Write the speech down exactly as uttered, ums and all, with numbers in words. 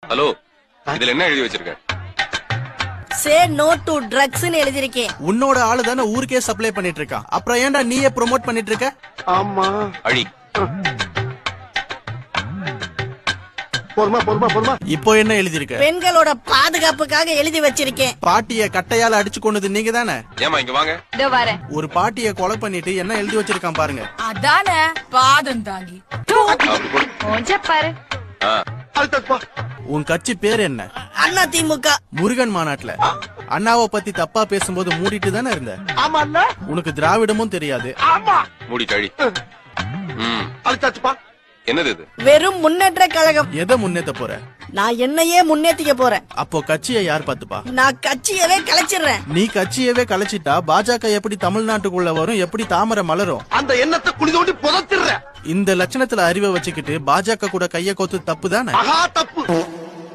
Hello, இதுல என்ன எழுதி வச்சிருக்க? சே நோ டு ட்ரக்ஸ்னு எழுதிருக்கேன். உன்னோட ஆளு தானே ஊருக்கே சப்ளை பண்ணிட்டு இருக்கான், அப்புறம் ஏன்டா நீயே ப்ரோமோட் பண்ணிட்டு இருக்க? ஆமா. அழி. பொறுமா பொறுமா பொறுமா. இப்போ என்ன எழுதிருக்க? பெண்களோட பாதுகாப்புக்காக எழுதி வச்சிருக்கேன். பாட்டிய கட்டையால அடிச்சு கொண்டது நீங்க தானே? ஏமா இங்க வாங்க. இதோ வரேன். ஒரு பாட்டிய கொலை பண்ணிட்டு என்ன எழுதி வச்சிருக்கான் பாருங்க. அதானே பாதம் தாங்கி. அப்படி போடு. கொஞ்சம் பாரு. ஆ. அழுத்தப்பா. உன் கட்சி பேர் என்ன? அண்ணா திமுக. முருகன் மாநாட்டுல அண்ணாவை பத்தி தப்பா பேசும்போது மூடிட்டு தானே இருந்த. ஆமா அண்ணா. உனக்கு திராவிடமும் தெரியாது. ஆமா. மூடி கழி. ம். அழுத்தாச்சுப்பா. என்னது இது? வெறும் முன்னேற்ற கழகம். எதை முன்னேத்த போற? நான் என்னையே முன்னேத்திக்க போறேன். அப்போ கட்சியை யார் பாத்துப்பா? நான் கட்சியவே கலைச்சிடுறேன். நீ கட்சியவே கலைச்சிட்டா பாஜக எப்படி தமிழ்நாட்டுக்குள்ள வரும், எப்படி தாமரை மலரும்? அந்த எண்ணத்தை குழி தோண்டி புதைச்சிடுற. இந்த லட்சணத்துல அறிவை வச்சுக்கிட்டு பாஜக கூட கைய கோத்து தப்பு தானே? மகா தப்பு.